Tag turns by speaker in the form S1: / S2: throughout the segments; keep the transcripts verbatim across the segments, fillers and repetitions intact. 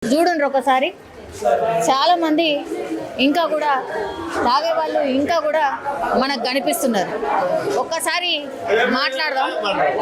S1: చూడండి ఒకసారి చాలా మంది ఇంకా కూడా తాగే వాళ్ళు ఇంకా కూడా మనకు కనిపిస్తున్నారు. ఒక్కసారి మాట్లాడదాం.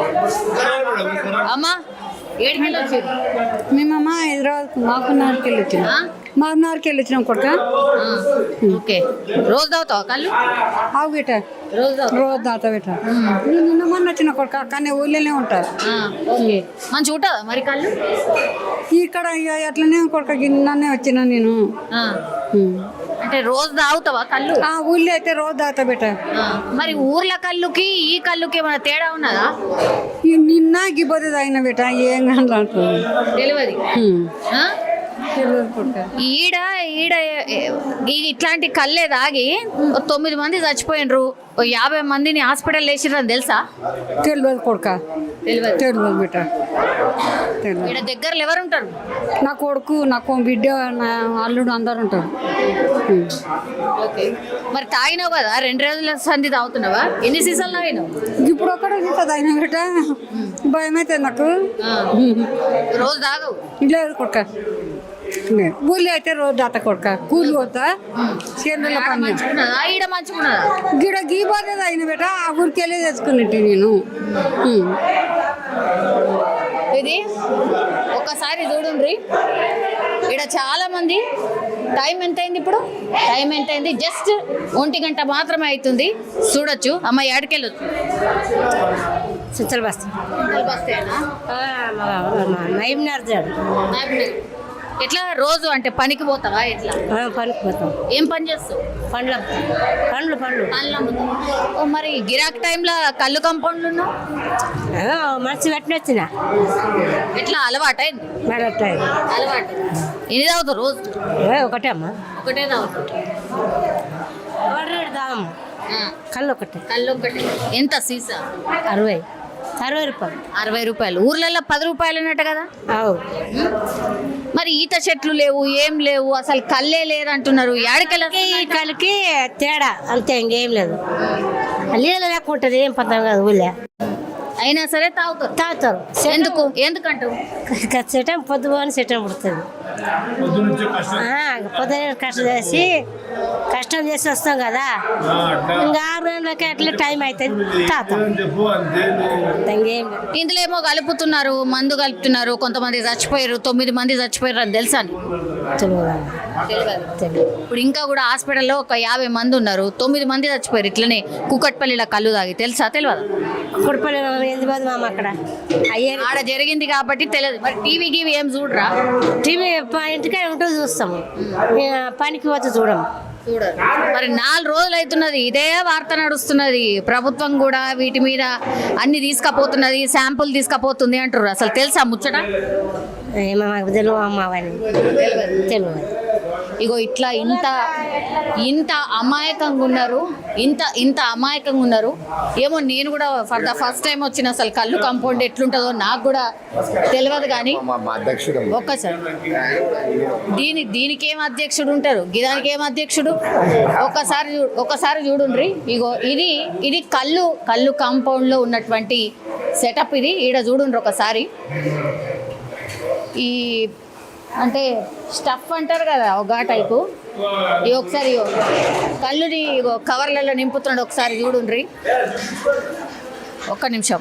S1: అమ్మా ఏడుకెళ్ళి వచ్చారు?
S2: మేమమ్మా హైదరాబాద్ మాకున్నారికి వెళ్ళి వచ్చినాం. మాకున్నారికి వెళ్ళి వచ్చినాం కొడుక.
S1: ఓకే, రోజు తాగుతావా కళ్ళు?
S2: ఆవు బిట్ట
S1: రోజు
S2: రోజు దాతా బిట్ట. నేను నిన్న మొన్న వచ్చిన కొడుక, కానీ ఊళ్ళోనే ఉంటారు.
S1: ఓకే, మంచిగా ఉంటుందా మరి కళ్ళు?
S2: ఇక్కడ ఇక అట్లనే కొడుక గిన్నెనే వచ్చిన నేను.
S1: అంటే రోజు తాగుతావా కళ్ళు?
S2: ఆ ఊళ్ళో అయితే రోజు దాతా బిట్ట.
S1: మరి ఊర్ల కళ్ళుకి ఈ కళ్ళుకి ఏమైనా తేడా ఉన్నదా?
S2: నిన్న గిబ్బది తాగిన బిట్ట, ఏం కానీ
S1: తెలియదు.
S2: తెలియదు కొడుక.
S1: ఈడ ఈడ ఇట్లాంటి కళ్ళే తాగి తొమ్మిది మంది చచ్చిపోయినరు, యాభై మందిని హాస్పిటల్ వేసిర్రు అని తెలుసా?
S2: తెలియదు కొడుక,
S1: తెలియదు.
S2: తెలియదు బిట్ట, తెలియదు.
S1: ఈడ దగ్గరలో ఎవరు ఉంటారు?
S2: నా కొడుకు, నాకు బిడ్డ, నా అల్లుడు అందరు ఉంటారు.
S1: ఓకే, మరి తాగినావు కదా, రెండు రోజుల సంధి తాగుతున్నావా? ఎన్ని సీసాలు తాగినావు?
S2: ఇప్పుడు ఒక్కడ ఇంత తాగిన బిడ్డ, భయం అయితే నాకు.
S1: రోజు తాగవు?
S2: లేదు కొడుక, ఊళ్ళో అయితే రోజు దాత కొడుక. కూలి పోతా చేనుల పని.
S1: మంచుకున్నదా ఈడ? మంచుకున్నదా?
S2: గిడ గీ పోతే తాగిన బిడ్డ, ఆ ఊరికి వెళ్ళి తెచ్చుకున్నట్టు నేను.
S1: ఇది ఒకసారి చూడండి. ఇక్కడ చాలా మంది. టైం ఎంత అయింది ఇప్పుడు? టైం ఎంత అయింది? జస్ట్ ఒంటి గంట మాత్రమే అవుతుంది. చూడొచ్చు. అమ్మ ఏడకెళ్ళొచ్చు.
S2: సుచ్చల బస్తా
S1: బస్తేనా?
S2: నైమ్నార్ జాడు.
S1: ఎట్లా రోజు అంటే పనికి పోతావా? ఎట్లా
S2: పనికి పోతాం.
S1: ఏం పని చేస్తావు?
S2: పండ్ల పండ్లు పండ్లు
S1: పండ్లు అమ్ముతావు. ఓ, మరి గిరాక్ టైంలో కళ్ళు కంపౌండ్లు ఉన్నావు?
S2: మంచి పెట్టిన వచ్చిన.
S1: ఎట్లా అలవాటు అయింది? అలవాటు. ఎన్ని తాగుతావు రోజు?
S2: ఒకటే అమ్మా,
S1: ఒకటే తాగుతావు.
S2: కళ్ళు ఒకటే.
S1: కళ్ళు ఒకటి. ఎంత సీసా?
S2: అరవై అరవై రూపాయలు.
S1: అరవై రూపాయలు. ఊర్లలో పది రూపాయలు అన్నట్టు కదా? మరి ఈత చెట్లు లేవు, ఏం లేవు, అసలు కళ్ళే లేదంటున్నారు. ఏడకెళ్ళి
S2: కళ్ళకి తేడా అంతే, ఇంకేం లేదు. నీళ్ళ లేకుంటుంది, ఏం పద్ధతి కాదు ఊళ్ళో.
S1: అయినా సరే తాగుతారు.
S2: తాగుతారు.
S1: ఎందుకు? ఎందుకంటావు?
S2: సెటం పొద్దు అని సెటం పుడుతుంది. పొద్దున కష్టం చేసి కష్టం చేసి వస్తాం కదా, ఇంకా ఆరు గంటలకి అట్లా టైం అవుతుంది, తాగుతాం. ఇంకేం
S1: ఇందులో ఏమో కలుపుతున్నారు, మందు కలుపుతున్నారు. కొంతమంది చచ్చిపోయారు, తొమ్మిది మంది చచ్చిపోయారు. అది తెలుసా? ఇప్పుడు ఇంకా కూడా హాస్పిటల్లో ఒక యాభై మంది ఉన్నారు, తొమ్మిది మంది చచ్చిపోయారు ఇట్లనే కుకట్పల్లిలో కళ్ళు తాగి. తెలుసా? తెలియదు.
S2: కుకట్పల్లి ఎందుకు పోదు మామ, అక్కడ అయ్యే
S1: ఆడ జరిగింది కాబట్టి తెలియదు. మరి టీవీ గీవీ ఏం చూడరా?
S2: టీవీ ఇంటికే ఉంటూ చూస్తాము, పనికి పోతే చూడము.
S1: చూడరు. మరి నాలుగు రోజులు అవుతున్నది ఇదే వార్త నడుస్తున్నది. ప్రభుత్వం కూడా వీటి మీద అన్ని తీసుకపోతున్నది, శాంపుల్ తీసుకపోతుంది అంటారు. అసలు తెలుసా ముచ్చట?
S2: తెలియదు అమ్మ, తెలియదు.
S1: ఇగో ఇట్లా ఇంత ఇంత అమాయకంగా ఉన్నారు, ఇంత ఇంత అమాయకంగా ఉన్నారు. ఏమో నేను కూడా ఫర్ ద ఫస్ట్ టైం వచ్చిన అసలు కళ్ళు కంపౌండ్ ఎట్లుంటుందో నాకు కూడా తెలియదు. కానీ ఒక్కసారి దీని దీనికి ఏం అధ్యక్షుడు ఉంటారు, గిదానికి ఏం అధ్యక్షుడు? ఒక్కసారి ఒక్కసారి చూడుండ్రి. ఇగో ఇది ఇది కళ్ళు కళ్ళు కాంపౌండ్లో ఉన్నటువంటి సెటప్ ఇది. ఈడ చూడుండ్రి ఒకసారి. ఈ అంటే స్టఫ్ అంటారు కదా, ఒక టైపు. ఇవి ఒకసారి కళ్ళుని కవర్లలో నింపుతున్నాడు. ఒకసారి చూడుండ్రి, ఒక్క నిమిషం.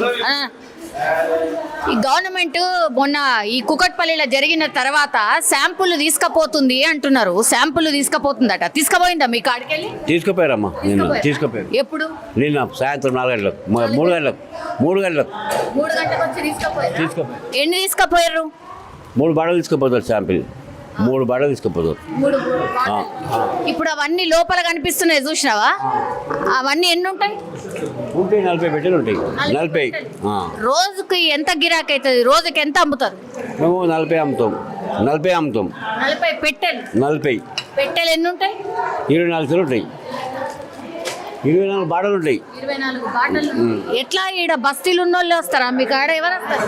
S1: ఈ గవర్నమెంట్ మొన్న ఈ కుకట్పల్లిలో జరిగిన తర్వాత శాంపుల్ తీసుకపోతుంది అంటున్నారు. శాంపుల్ తీసుకపోతుందట. తీసుకుపోయిందా మీ కాడికెళ్ళి?
S3: తీసుకుపోయారమ్మా, నేను తీసుకుపోయారు.
S1: ఎప్పుడు?
S3: నిన్న సాయంత్రం నాలుగు గంటలకు, మూడు గంటలకు మూడు గంటలకు
S1: మూడు గంటలకు వచ్చి తీసుకుపోయారు.
S3: తీసుకుపోయారు.
S1: ఎన్ని తీసుకుపోయారు?
S3: మూడు బాటలు తీసుకుపోతారు. శాంపిల్ మూడు బాటలు తీసుకుపోతారు.
S1: ఇప్పుడు అవన్నీ లోపల కనిపిస్తున్నాయి, చూసినావా? అవన్నీ ఎన్ని ఉంటాయి?
S3: ఉంటాయి నలభై పెట్టెలు ఉంటాయి. నలభై.
S1: రోజుకి ఎంత గిరాకీ అవుతుంది? రోజుకి ఎంత అమ్ముతారు?
S3: మేము నలభై అమ్ముతాం. నలభై అమ్ముతాం.
S1: నలభై పెట్టెలు.
S3: నలభై
S1: పెట్టెలు ఎన్ని ఉంటాయి?
S3: ఇరవై నాలుగు ఉంటాయి. ఇరవై నాలుగు బాటలు ఉంటాయి.
S1: ఇరవై నాలుగు బాటలు. ఎట్లా ఈడ బస్తీలు ఉన్న వాళ్ళు వస్తారా మీ కాడ? ఎవరు వస్తారు?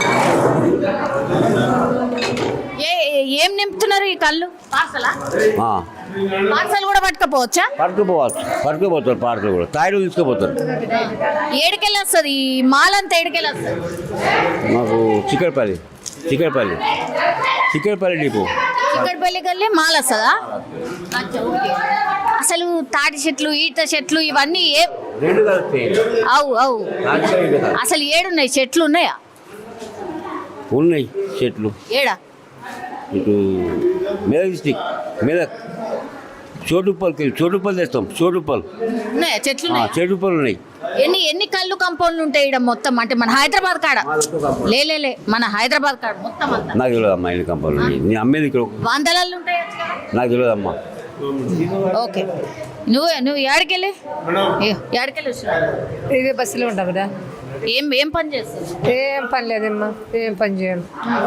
S1: ఏ ఏం నింపుతున్నారు ఈ కళ్ళు? పార్సలా? పార్సల్ కూడా పట్టుకపోవచ్చా?
S3: పట్టుకుపోవచ్చు, పట్టుకుపోతారు. పార్సల్ కూడా తాయిలు తీసుకుపోతారు.
S1: ఏడుకెళ్ళి వస్తుంది ఈ మాల్ అంతా? ఏడుకెళ్ళి వస్తుంది?
S3: మాకు చిక్కడపల్లి. చిక్కడపల్లి చిక్కడపల్లి డిపో.
S1: చిక్కడపల్లికి వెళ్ళి మాల్ వస్తుందా? అచ్చా, ఓకే. అసలు తాటి చెట్లు ఈత చెట్లు ఇవన్నీ ఏ
S3: రెండు కలుస్తాయి.
S1: అవు అవు అసలు ఏడున్నాయి చెట్లు ఉన్నాయా?
S3: ఉన్నాయి చెట్లు.
S1: ఏడా?
S3: ఇటు మెదక్ డిస్టిక్ మెదక్ చోటుపల్లికి వెళ్ళి చోటుపల్లి తెస్తాం. చోటుపల్లి
S1: ఉన్నాయా చెట్లు? ఉన్నాయా?
S3: చోటుపల్లి ఉన్నాయి.
S1: ఎన్ని ఎన్ని కళ్ళు కంపౌండ్లు ఉంటాయి ఇక్కడ మొత్తం? అంటే మన హైదరాబాద్ కాడ లే లే మన హైదరాబాద్ కాడ మొత్తం అంతా
S3: నాకు తెలియదు అమ్మా ఎన్ని కంపాలు ఉన్నాయి. నేను అమ్మేది ఇక్కడ
S1: వందలల్లో ఉంటాయి.
S3: నాకు తెలియదు అమ్మా.
S1: ఓకే. నువ్వు నువ్వు ఏడకెళ్ళి ఏడకెళ్ళి వచ్చినా?
S2: ఇదే బస్సులో ఉంటాం కదా.
S1: ఏం ఏం పని చేస్తావు?
S2: ఏం పని లేదమ్మా, ఏం పని చేయం.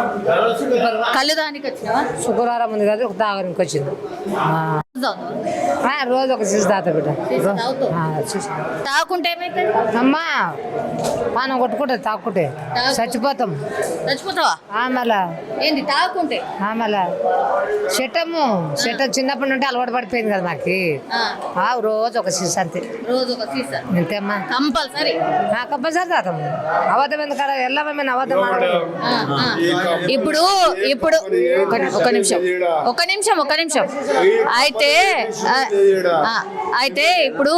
S1: కళ్ళు దానికి వచ్చినావా?
S2: శుక్రవారం ఉంది కదా, ఒక తాగడానికి వచ్చింది.
S1: తాగుతావా?
S2: ఆ, రోజు ఒక సీసీ తాత బిడ్డ.
S1: సీసీ తాగుతావు?
S2: ఆ, సీసీ.
S1: తాగుకుంటే ఏమైతుంది?
S2: అమ్మా పానం కొట్టుకుంటే తాక్కుంటే చచ్చిపోతాం.
S1: చచ్చిపోతావా?
S2: ఆ, మళ్ళా
S1: ఏంది తాగుకుంటే?
S2: ఆ, మళ్ళా చెట్టము చెట్ట చిన్నప్పటి నుండి అలవాటు పడిపోయింది కదా మాకు.
S1: ఆ,
S2: ఆ, రోజు ఒక సీసీ అంతే.
S1: రోజు ఒక సీసా
S2: అంతేమ్మా.
S1: కంపల్సరీ.
S2: కంపల్సరీ తాతాం. అబద్ధం ఎందుకు కదా, వెళ్ళమని అబద్ధం ఆడకూడదు.
S1: ఆ, ఆ. ఇప్పుడు ఇప్పుడు ఒక ఒక నిమిషం ఒక నిమిషం ఒక నిమిషం అయితే ఆ, ఆ, అయితే ఇప్పుడు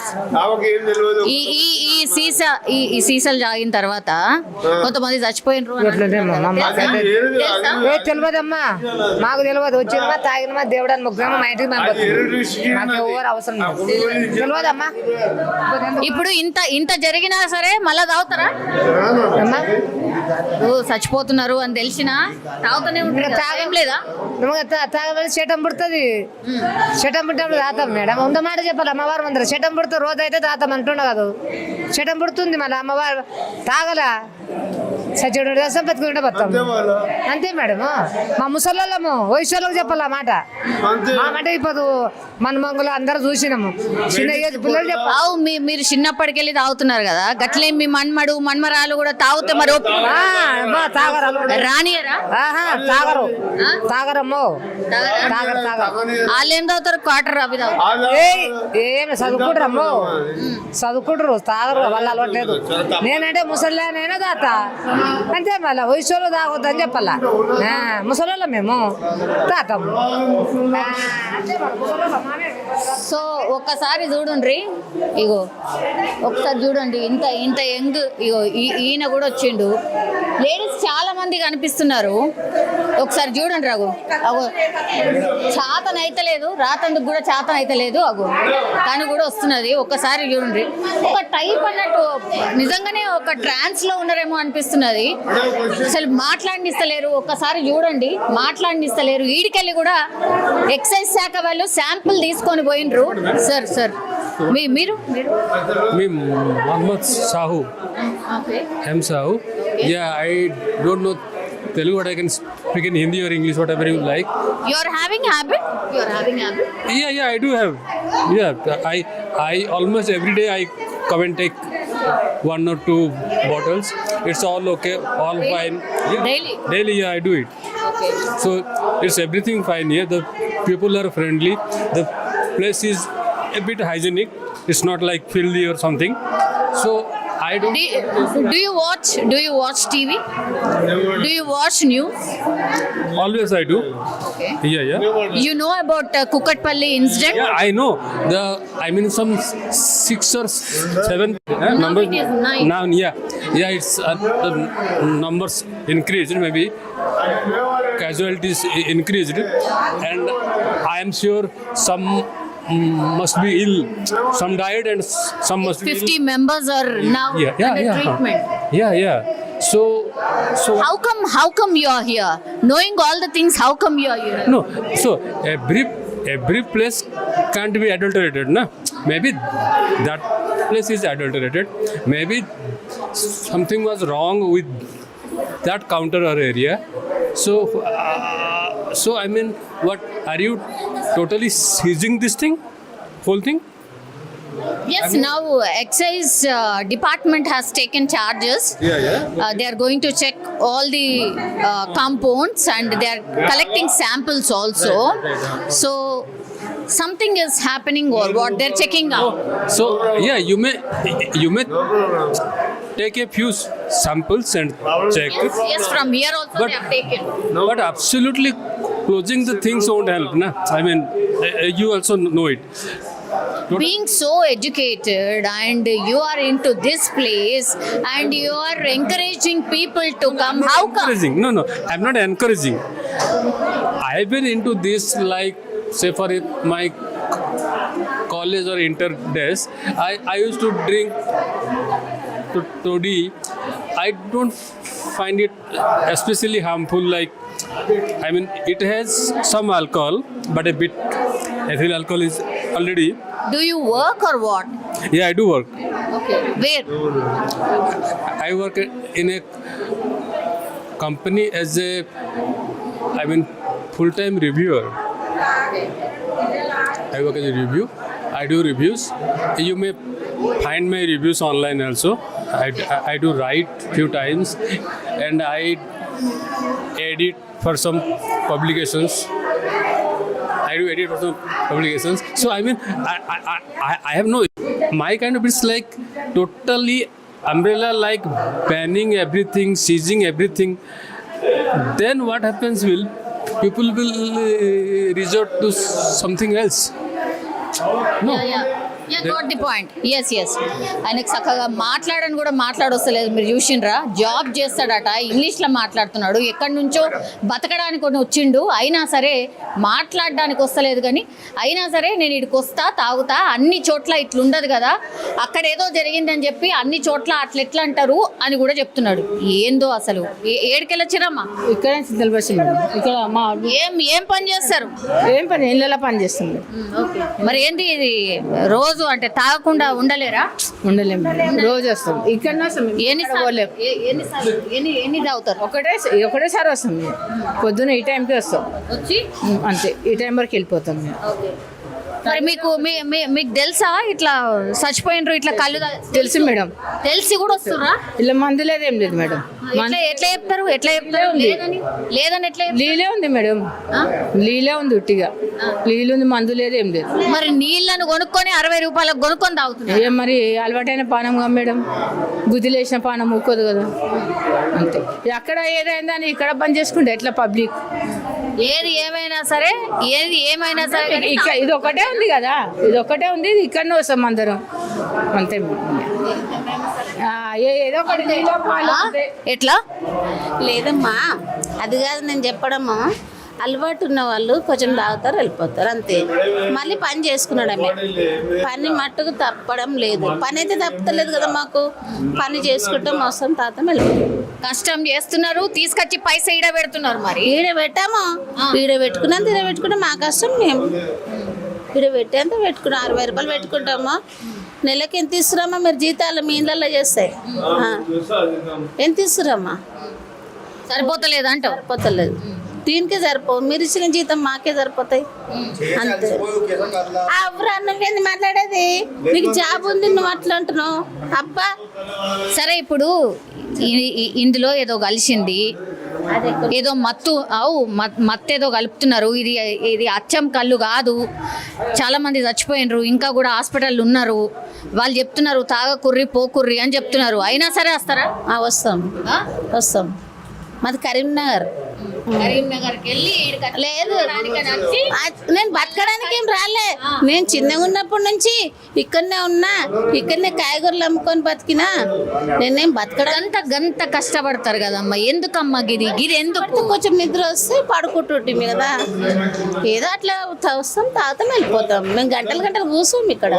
S1: ఈ ఈ ఈ సీసా ఈ ఈ సీసాలు తాగిన తర్వాత కొంతమంది చచ్చిపోయినరు అని
S2: ఎట్లుంటేమ్మా, మా అమ్మ
S1: తెలుసా? తెలుసా?
S2: ఏ తెలియదమ్మా, మాకు తెలియదు. వచ్చినమా తాగినమా దేవుడాన్ని ముగ్గురమా మా ఇంటికి మేము బతుకుతాం. మాకు ఎవరు అవసరం లేదు. తెలియదమ్మా.
S1: ఇప్పుడు ఇంత ఇంత జరిగినా సరే మళ్ళా తాగుతారా?
S2: అమ్మా
S1: ఓ, చచ్చిపోతున్నారు అని తెలిసినా తాగుతూనే ఉంటారు. తాగం లేదా?
S2: తాగబడి చెటం పుడుతుంది. చెటం పుట్టినప్పుడు తాతాం మేడం. ఉంద మాట చెప్పాలి అమ్మవారు ముందర. చెటం పుడుతుంది రోజు అయితే తాతాం అంటుండ కాదు. చెటం పుడుతుంది మళ్ళీ అమ్మవారు తాగల సచ్చుడు రసం పెట్టుకుంటే బతాం. అంతే మేడం. మా ముసళ్ళము వయసులకు చెప్పాలి ఆ మాట. మా మాట ఇప్పుడు మన మంగులు అందరూ చూసినాము. చిన్న ఏజ్ పిల్లలు చెప్పాలి.
S1: అవు మీ మీరు చిన్నప్పటికెళ్ళి తాగుతున్నారు కదా, గట్లే మీ మన్మడు మన్మరాలు కూడా తాగితే మరి ఒప్పు-
S2: తాగరు
S1: రానియరా?
S2: ఆహా తాగరు
S1: ఆ?
S2: తాగరమ్మో తాగరు తాగరు.
S1: వాళ్ళు ఏం తాగుతారు? క్వార్టర్ అవి తాగుతారు.
S2: ఏయ్, ఏమి చదువుకుంటారు అమ్మో, చదువుకుంటారు తాగరు. వాళ్ళు అలవట్లేదు. నేనంటే ముసలి నేనే తాత అంతే. మళ్ళీ వయసులో తాగొద్దని చెప్పాలా. ముసలి మేము తాతాము.
S1: సో ఒక్కసారి చూడండి, ఇగో ఒకసారి చూడండి, ఇంత ఇంత యంగ్ ఇగో ఈ- ఈయన కూడా వచ్చిండు. లేడీస్ చాలా మంది కనిపిస్తున్నారు. ఒకసారి చూడండి రఘు. అగో చాతన అయితే లేదు, రాతందుకు కూడా చాతన అయితే లేదు. అగో తను కూడా వస్తున్నది. ఒక్కసారి చూడండి. ఒక టైప్ అన్నట్టు నిజంగానే ఒక ట్రాన్స్ లో ఉన్నారేమో అనిపిస్తున్నది. అసలు మాట్లాడినిస్తలేరు. ఒక్కసారి చూడండి, మాట్లాడినిస్తలేరు. ఈడికెళ్ళి కూడా ఎక్సైజ్ శాఖ వాళ్ళు శాంపుల్ తీసుకొని పోయినరు. సార్ సార్ మీ మీరు మీరు
S4: Me, Mohammad Sahu,
S1: okay.
S4: M Sahu. Yeah, I don't know Telugu, but I can speak in Hindi or English, whatever you like.
S1: You are having habit? You are having habit?
S4: Yeah, yeah, I do have. Yeah, I, I almost every day I come and take one or two bottles. It's all okay, all fine. Yeah.
S1: Daily?
S4: Daily, yeah, I do it.
S1: Okay.
S4: So it's everything fine here. The people are friendly. The place is a bit hygienic. It's not like filthy or something. So I don't.
S1: Do you, do you watch do you watch T V? Do you watch news?
S4: Always I do.
S1: Okay.
S4: Yeah, yeah.
S1: You know about uh, Kukatpalli incident?
S4: Yeah, I know. The I mean some six or seven uh, numbers.
S1: it is nine.
S4: Now, yeah, yeah. It's uh, the numbers increased. Maybe casualties i- increased, and I am sure some mm, must be ill. Some died, and s- some must be
S1: fifty
S4: ill.
S1: members are now
S4: Yeah, yeah,
S1: under
S4: yeah.
S1: treatment.
S4: Yeah, yeah. So, so
S1: How come how come you are here? Knowing all the things, how come you are here?
S4: no. So every every place can't be adulterated, na? Maybe that place is adulterated. Maybe something was wrong with that counter or area. So, uh, so I mean, what are you totally seizing this thing, whole thing?
S1: Yes, now excise uh, department has taken charges.
S4: Yeah, yeah.
S1: Uh, they are going to check all the uh, compounds and they are collecting samples also. So something is happening or what they're checking out.
S4: So yeah, you may you may take a few s- samples and check.
S1: Yes, yes, from here also
S4: But-
S1: they have taken.
S4: But absolutely closing the things won't help. Na? I mean, uh, you also know it.
S1: Being so educated and you are into this place and you are encouraging people to come, how come?
S4: Encouraging. No, no, I'm not encouraging. I've been into this like, say, for it, my college or inter days, I, I used to drink to toddy. I don't find it especially harmful. Like, I mean, it has some alcohol, but a bit ethyl alcohol is already.
S1: Do you work or what?
S4: Yeah, I do work.
S1: Okay. Where?
S4: I work in a company as a, I mean, full-time reviewer. I work as a review. I do reviews. You may find my reviews online also. I, I do write few times, and I edit for some publications. I do edit for some publications. So I mean, I, I, I, I have no. My kind of it's like totally umbrella, like banning everything, seizing everything. Then what happens will people will uh, resort to something else. No.
S1: Yeah, yeah. Yeah, got the point. Yes, yes. ఆయనకు చక్కగా మాట్లాడని కూడా మాట్లాడొస్తలేదు. మీరు చూసిండ్రా, job చేస్తాడట, ఇంగ్లీష్లో మాట్లాడుతున్నాడు, ఎక్కడి నుంచో బతకడానికి కొన్ని వచ్చిండు, అయినా సరే మాట్లాడడానికి వస్తలేదు. కానీ అయినా సరే నేను ఇక్కడికి వస్తా, తాగుతా, అన్ని చోట్ల ఇట్లుండదు కదా, అక్కడ ఏదో జరిగిందని చెప్పి అన్ని చోట్ల అట్లా ఎట్లా అంటారు అని కూడా చెప్తున్నాడు. ఏందో అసలు ఏ- ఏడికెళ్ళొచ్చిరమ్మా?
S5: ఇక్కడ సిద్ధల్ బస్సు మేడం. ఇక్కడ మా
S1: ఏం ఏం పని చేస్తారు?
S5: ఏం పని ఇళ్ళలో పని చేస్తుంది.
S1: మరి ఏంది ఇది రోజు అంటే తాగకుండా ఉండలేరా?
S5: ఉండలేము మేడం. రోజు వస్తాం. ఇక్కడ వస్తాం మేము.
S1: ఎన్ని
S5: ఇక్కడ పోలేం.
S1: ఎన్ని ఎన్ని ఎన్ని తాగుతారు?
S5: ఒకటే ఒకటేసారి వస్తాం మేము. పొద్దున ఈ టైంకి వస్తాం.
S1: వచ్చి
S5: ఉమ్, అంతే ఈ టైం వరకు వెళ్ళిపోతాం మేము.
S1: మరి మీకు మీ- మీ- మీకు తెలుసా ఇట్లా చచ్చిపోయినరు ఇట్లా కళ్ళు తా-
S5: తెలుసు మేడం.
S1: తెలిసి కూడా వస్తురా?
S5: ఇలా మందు లేదు ఏం లేదు మేడం.
S1: ఎట్లా ఎట్లా చెప్తారు? ఎట్లా చెప్తారు? లేదని లేదని ఎట్లా చెప్తారు?
S5: లీలే ఉంది మేడం.
S1: ఆ?
S5: లీలే ఉంది ఉట్టిగా. లీలు ఉంది, మందు లేదు ఏం లేదు.
S1: మరి నీళ్ళను కొనుక్కొని అరవై రూపాయలకు కొనుక్కొని తాగుతున్నారు.
S5: ఏం మరి అలవాటైన పానంగా మేడం. గుదిలేసిన పానం ఊకోదు కదా. అంతే అక్కడ ఏదైందని ఇక్కడ బంద్ చేసుకుంటే ఎట్లా పబ్లిక్.
S1: ఏది ఏమైనా సరే ఏది ఏమైనా సరే కానీ
S5: ఇక్కడ ఇది ఒకటే ఉంది కదా, ఇది ఒకటే ఉంది, ఇది ఇక్కడనే వస్తాం అందరం అంతే. ఆ, ఏ- ఏదో ఒకటి నీలో పాలు అంతే.
S1: ఎట్లా?
S6: లేదమ్మా, అది కాదు నేను చెప్పడమ్మా. అలవాటు ఉన్న వాళ్ళు కొంచెం తాగుతారు, వెళ్ళిపోతారు అంతే. మళ్ళీ పని చేసుకున్నాడమే. పని మట్టుకు తప్పడం లేదు. పని అయితే తప్పలేదు కదా మాకు. పని చేసుకుంటాం, వస్తాం, తాతం, వెళ్ళిపోతాం.
S1: కష్టం చేస్తున్నారు, తీసుకొచ్చి పైసా ఈడ పెడుతున్నారు. మరి
S6: ఈడ పెట్టాము, ఈడ పెట్టుకున్నంత ఈడ పెట్టుకుంటాం. మా కష్టం మేము ఈడ పెట్టేంత పెట్టుకున్నాం. అరవై రూపాయలు పెట్టుకుంటాము. నెలకి ఎంత ఇస్తున్నామా మీరు జీతాలు మీ ఇళ్ళల్లో చేస్తాయి? ఆ. ఎంత ఇస్తున్నారమ్మా?
S1: సరిపోతలేదు అంటావు?
S6: సరిపోతలేదు. దీనికే సరిపో. మీరు ఇచ్చిన జీతం మాకే సరిపోతాయి అంతే. అవ్వరా, నువ్వేంది మాట్లాడేది? నీకు జాబ్ ఉంది, నువ్వు అట్లా అంటున్నావు. అబ్బా,
S1: సరే ఇప్పుడు ఈ- ఈ- ఇందులో ఏదో కలిసింది, ఏదో మత్తు అవు మత్తు ఏదో కలుపుతున్నారు. ఇది ఇది అచ్చం కళ్ళు కాదు, చాలా మంది చచ్చిపోయినరు, ఇంకా కూడా హాస్పిటల్ ఉన్నారు. వాళ్ళు చెప్తున్నారు తాగకుర్రి పోకుర్రి అని చెప్తున్నారు. అయినా సరే వస్తారా?
S6: ఆ, వస్తాం
S1: ఆ?
S6: వస్తాం. మాది కరీంనగర్.
S1: కరీంనగర్కి వెళ్ళి ఈడకి
S6: లేదు,
S1: రానికని వచ్చి
S6: ఆ, నేను బతకడానికి ఏం రాలే. నేను చిన్నగా ఉన్నప్పటి నుంచి ఇక్కడనే ఉన్నా, ఇక్కడనే కాయగూరలు అమ్ముకొని బతికినా. నేనేం బతకడానికి
S1: గంత గంత కష్టపడతారు కదమ్మా, ఎందుకమ్మా గిది గిది ఎందుకు?
S6: కొంచెం నిద్ర వస్తే పడుకుంటుంటే కదా, ఏదో అట్లా త- వస్తాం, తాగుతాం, వెళ్ళిపోతాం. మేము గంటలు గంటలు కూర్చోం ఇక్కడ.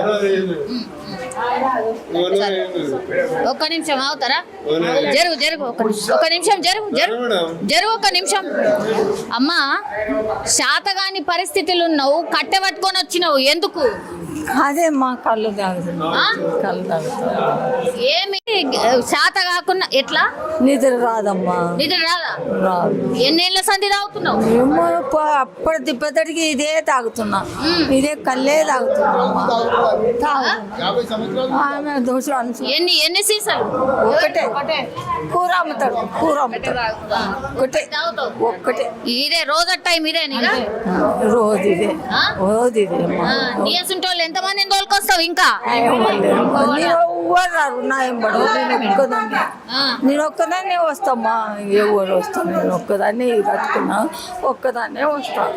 S1: ఒక్క నిమిషం అవుతారా? జరుగు జరుగు ఒక నిమిషం ఒక నిమిషం జరుగు జరుగు జరుగు ఒక నిమిషం. అమ్మా, శాతగాని పరిస్థితులు ఉన్నావు, కట్టె పట్టుకొని వచ్చినావు, ఎందుకు?
S7: అదే మా కళ్ళు తాగుతుంది.
S1: ఆ?
S7: కళ్ళు తాగుతుంది.
S1: ఏమి శాత కాకుండా ఎట్లా?
S7: నిద్ర రాదమ్మా.
S1: నిద్ర రాదా?
S7: రాదు.
S1: ఎన్నేళ్ళ సంధి తాగుతున్నావు?
S7: ఏమో ప- అప్పటి తిప్పటికి ఇదే తాగుతున్నా. ఇదే కళ్ళే తాగుతున్నా. ఆమె దోశలు అనుసు
S1: ఎన్ని ఎన్ని సీసాలు?
S7: ఒక్కటే కూర అమ్ముతాడు. కూర అమ్ముతాడు ఒక్కటే
S1: తాగుతావు?
S7: ఒక్కటే.
S1: ఇదే రోజు టైం ఇదే నీగా?
S7: రోజు ఇదే
S1: ఆ?
S7: రోజు ఇదే అమ్మా.
S1: నీ అసంటోళ్ళు ఎంతమందిని తోలుకొస్తావు ఇంకా?
S7: ఏమో లేదు. నేను ఎవరు రారు నా ఎంబడు నేను ఒక్కదాన్ని నేను ఒక్కదాన్నే వస్తామ్మా ఎవరు వస్తాను నేను ఒక్కదాన్నే కట్టుకున్నా ఒక్కదాన్నే వస్తాను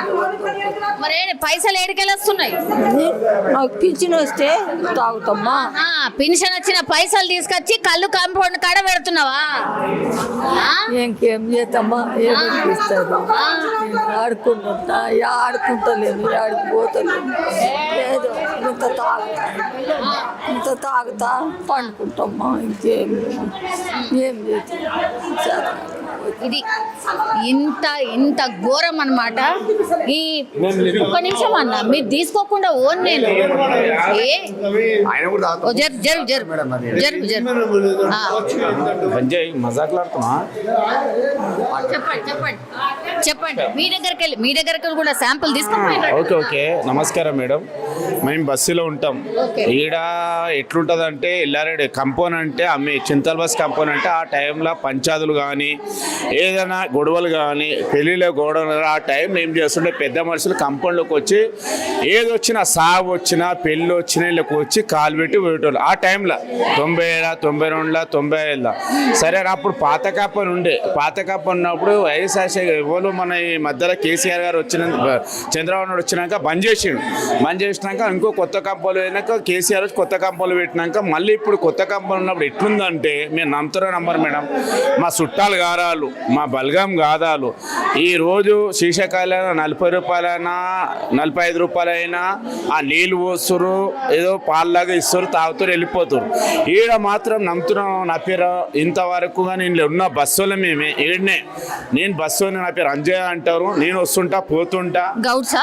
S1: మరి ఏంటి, పైసలు ఏడికెళ్ళి వస్తున్నాయి?
S7: నాకు పింఛన్ వస్తే తాగుతామ్మా
S1: ఆ, పెన్షన్ వచ్చిన పైసలు తీసుకొచ్చి కళ్ళు కాంపౌండ్ కాడ పెడుతున్నావా? ఆ?
S7: ఇంకేం చేస్తామ్మా ఏమి ఇస్తారు ఆడుకుంటుంటా ఆడుకుంటలేను ఆడికి పోతలేను లేదు ఇంత తాగుతా ఇంత తాగుతా పండుకుంటామ్మా ఇంకేం ఏం చేస్తాం
S1: ఇది ఇంత ఇంత ఘోరం అన్నమాట. ఈ ఒక్క నిమిషం అన్న, మీరు తీసుకోకుండా ఓన్ నేను ఏ ఓ జరు జరు జరు జరు జరు ఆ,
S3: సంజయ్ మజాక్లాడుతున్నా
S1: చెప్పండి చెప్పండి చెప్పండి మీ దగ్గరికి వెళ్ళి మీ దగ్గరికి వెళ్ళి కూడా శాంపుల్ తీసుకుని
S8: ఓకే ఓకే నమస్కారం మేడం. మేము బస్సులో ఉంటాం.
S1: ఓకే.
S8: ఈడ ఎట్లుంటుంది అంటే ఎల్లారెడ్డి కంపౌండ్ అంటే అమ్మే చింతల్ బస్ కంపౌండ్ అంటే ఆ టైంలో పంచాదులు కానీ ఏదైనా గొడవలు కానీ పెళ్ళిళ్ళ గొడవలు ఆ టైంలో ఏం చేస్తుంటే పెద్ద మనుషులు కంపౌండ్లోకి వచ్చి ఏది వచ్చినా సాగు వచ్చినా పెళ్ళి వచ్చినా వీళ్ళకి వచ్చి కాలు పెట్టి పోయేటోళ్ళు ఆ టైంలో తొంభై ఏళ్ళ తొంభై రెండుల తొంభై ఏళ్ళ సరే అప్పుడు పాత కాపని ఉండే పాత కాపని ఉన్నప్పుడు వైఎస్ఆర్ ఎవరు మన ఈ మధ్యలో కేసీఆర్ గారు వచ్చిన చంద్రబాబు నాయుడు వచ్చినాక బంద్ చేసిండు. బంద్ చేసినాక ఇంకో కొత్త కంపౌండ్ అయినాక కేసీఆర్ వచ్చి కొత్త కంపౌండ్ పెట్టినాక మళ్ళీ ఇప్పుడు కొత్త కంపౌండ్ ఉన్నప్పుడు ఎట్లుందంటే మీరు నమ్ముతారో నమ్మరు మేడం, మా చుట్టాలు గారాలు మా బల్గం గాదాలు ఈరోజు శీర్షకాయలైనా నలభై రూపాయలైనా నలభై ఐదు రూపాయలైనా ఆ నీళ్ళు పోస్తురు ఏదో పాల్లాగా ఇస్తారు తాగుతారు వెళ్ళిపోతారు. ఈడ మాత్రం నమ్ముతున్నాం నా పేరు ఇంతవరకు నేను ఉన్న బస్సులో మేమే ఈడనే నేను బస్సు నా పేరు అంజయ్ అంటారు. నేను వస్తుంటా పోతుంటా
S1: గౌడ్సా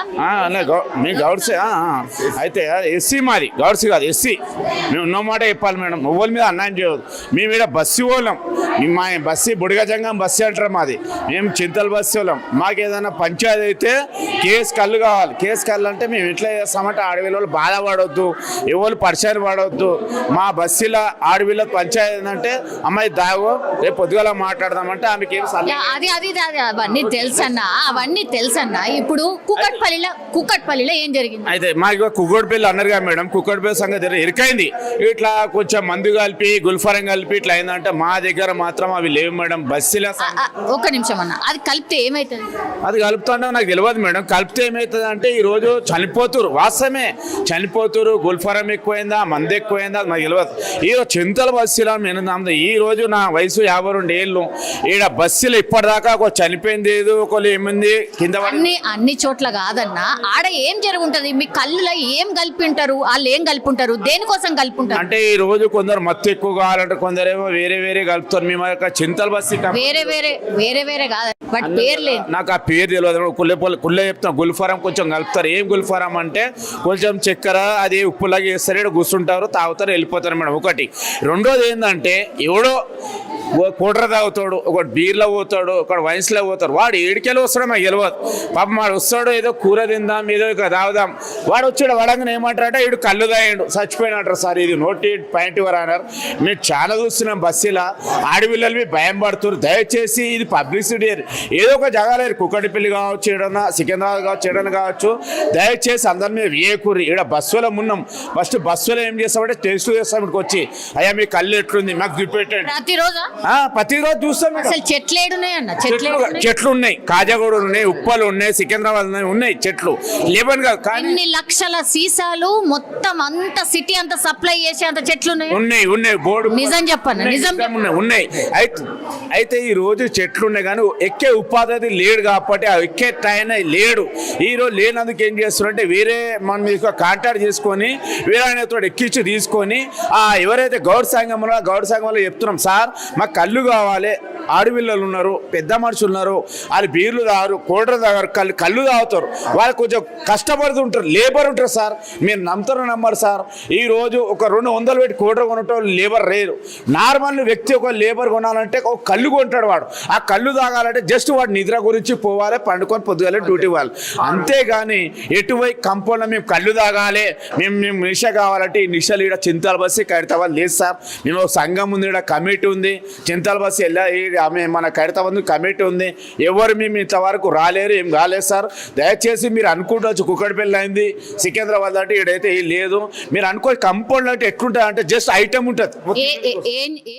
S8: మీ గౌడ్సే అయితే ఎస్సీ మాది గౌడ్స్ కాదు ఎస్సీ. మేము ఉన్న మాట చెప్పాలి మేడం, ఎవరి మీద అన్యాయం చేయదు. మేము ఇక్కడ బస్సు వాళ్ళం, మా బస్సు బుడిగజంగం బస్సు అంటారు మాది. మేము చింతల బస్సు వాళ్ళం. మాకు ఏదైనా పంచాయతీ అయితే కేసు కళ్ళు కావాలి. కేసు కళ్ళు అంటే మేము ఎట్లా చేస్తామంటే అడవిలో బాధపడవద్దు, ఎవరు పరిచయం పడవద్దు. మా బస్సులో అడవిలో పంచాయతీ ఏంటంటే అమ్మాయి దాగో రేపు పొద్దుగాల మాట్లాడదామంటే ఆమెకి ఏం
S1: యా, అది అది అది అవన్నీ తెలుసన్నా అవన్నీ తెలుసన్నా. ఇప్పుడు కుక్కట్పల్లిలో కుక్కట్పల్లిలో ఏం జరిగింది?
S8: అయితే మాకు కుక్కడిపల్లి అన్నారు కదా మేడం, కుక్కడిపల్లి సంగతి ఎరికైంది. ఇట్లా కొంచెం మందు కలిపి గుల్ఫారం కలిపి ఇట్లా అయిందంటే మా దగ్గర మాత్రం అవి లేవు మేడం. బస్సులో
S1: ఆ, ఆ, ఒక్క నిమిషం అన్న, అది కలిపితే ఏమవుతుంది?
S8: అది కలుపుతుంటే నాకు తెలియదు మేడం. కలిపితే ఏమవుతుంది అంటే ఈరోజు చనిపోతురు, వాస్తవమే చనిపోతురు. గుల్ఫారం ఎక్కువైందా మందు ఎక్కువైందా అది నాకు తెలియదు. ఈ చింతల బస్సులో నేను నమ్మదు. ఈ రోజు నా వయసు యాభై రెండు ఏళ్ళు. ఈడ బస్సులో ఇప్పటిదాకా ఒక చనిపోయింది ఏదో ఒకళ్ళు ఏమైంది కింద
S1: అన్ని అన్ని చోట్ల కాదన్నా, ఆడ ఏం జరుగుంటది? మీ కళ్ళులో ఏం కలిపింటారు? వాళ్ళు ఏం కలిపింటారు? దేనికోసం కలిపింటారు?
S8: అంటే ఈ రోజు కొందరు మత్తు ఎక్కువ కావాలంటే కొందరేమో వేరే వేరే కలుపుతారు. మేము యొక్క చింతల బస్సు
S1: వేరే వేరే వేరే వేరే కాదు, బట్ పేరు లేదు.
S8: నాకు ఆ పేరు తెలియదు. కుల్లె కుల్లె చెప్తాం గుల్ఫారం కొంచెం కలుపుతారు. ఏం గుల్ఫారం అంటే కొంచెం చక్కెర అది ఉప్పులాగా వేస్తారు, ఇక్కడ కూర్చుంటారు తాగుతారు వెళ్ళిపోతారు మేడం. ఒకటి. రెండోది ఏంటంటే ఎవడో కోట్ర తాగుతాడు, ఒకటి బీర్లో పోతాడు, ఒకటి వైన్స్లో పోతాడు. వాడు ఏడికెళ్ళి వస్తాడో మాకు తెలియదు. పాపం వాడు వస్తాడు ఏదో కూర తిందాం ఏదో ఇక తాగుదాం. వాడు వచ్చాడు వడంగా ఏమంటారంటే వీడు కళ్ళు తాగాడు చచ్చిపోయినట్టు సార్ ఇది నోటి పాయింట్ ఇవ్వరు అన్నారు. మేము చాలా చూస్తున్నాం బస్సులో ఆడపిల్లలు భయం పడుతున్నారు. దయచేసి ఇది పబ్లిసిటీ ఏదో ఒక జగాలేరు కుక్కటిపల్లి కావచ్చు ఏడన్నా సికింద్రాబాద్ కావచ్చు ఏడన్నా కావచ్చు. దయచేసి అందరి మీద వేయకూరి. ఇక్కడ బస్సులో ఉన్నాం. ఫస్ట్ బస్సులో ఏం చేస్తామంటే టెస్ట్ చేస్తాం. ఇక్కడికి వచ్చి అయ్యా మీ కళ్ళు ఎట్లుంది మాకు చూపెట్టండి.
S1: ప్రతిరోజు
S8: ప్రతిరోజు చూస్తాం.
S1: అసలు చెట్లు ఏడున్నాయి అన్న? చెట్లు
S8: చెట్లు ఉన్నాయి, కాజాగూడ ఉన్నాయి, ఉప్పలు ఉన్నాయి, సికింద్రాబాద్ ఉన్నాయి, ఉన్నాయి చెట్లు లేవని కాదు. కానీ
S1: ఎన్ని లక్షల సీసాలు మొత్తం అంత సిటీ అంత సప్లై చేసే అంత చెట్లు ఉన్నాయి
S8: ఉన్నాయి ఉన్నాయి బోర్డు
S1: నిజం చెప్పన్న నిజం
S8: ఉన్నాయి ఉన్నాయి. అయితే అయితే ఈ రోజు చెట్లు ఉన్నాయి కానీ ఎక్కే ఉపాధి లేడు కాబట్టి ఆ ఎక్కే టైం లేడు. ఈ రోజు లేనందుకు ఏం చేస్తున్నారంటే వేరే మన మీకు కాంటాక్ట్ చేసుకొని వేరే ఆయనతో ఎక్కించి తీసుకొని ఆ ఎవరైతే గౌడ్ సంఘంలో గౌడ్ సంఘంలో చెప్తున్నాం సార్ మాకు కళ్ళు కావాలి, ఆడపిల్లలు ఉన్నారు, పెద్ద మనుషులు ఉన్నారు, వాళ్ళు బీర్లు తాగరు, కోటలు తాగరు, కళ్ళు కళ్ళు తాగుతారు. వాళ్ళు కొంచెం కష్టపడుతుంటారు, లేబర్ ఉంటారు సార్. మీరు నమ్ముతారో నమ్మరు సార్. ఈ రోజు ఒక రెండు వందలు పెట్టి కోటర్ కొనటం లేబర్ లేరు. నార్మల్ వ్యక్తి ఒక లేబర్ కొనాలంటే ఒక కళ్ళు కొంటాడు. వాడు ఆ కళ్ళు తాగాలంటే జస్ట్ వాడు నిద్ర గురించి పోవాలి, పండుకొని పొద్దుగాలే డ్యూటీ వాళ్ళు. అంతేగాని ఎటువై కంపౌండ్లో మేము కళ్ళు తాగాలి, మేము మేము నిష కావాలంటే ఈ నిషలు ఇక్కడ చింతల బస్సు కడితే వాళ్ళు లేదు సార్. మేము ఒక సంఘం ఉంది, ఇక్కడ కమిటీ ఉంది, చింతల బస్సు వెళ్ళా ఇది ఆమె మన ఖైరతాబాద్ కమిటీ ఉంది, ఎవరు మేము ఇంతవరకు రాలేరు, ఏం కాలేదు సార్. దయచేసి మీరు అనుకుంటవచ్చు కుక్కడిపల్లి అయింది సికింద్రాబాద్ అంటే ఇడైతే లేదు. మీరు అనుకో కంపౌండ్ అంటే ఎట్లుంటుంది అంటే జస్ట్ ఐటమ్ ఉంటుంది.
S1: ఏ ఏ- ఏ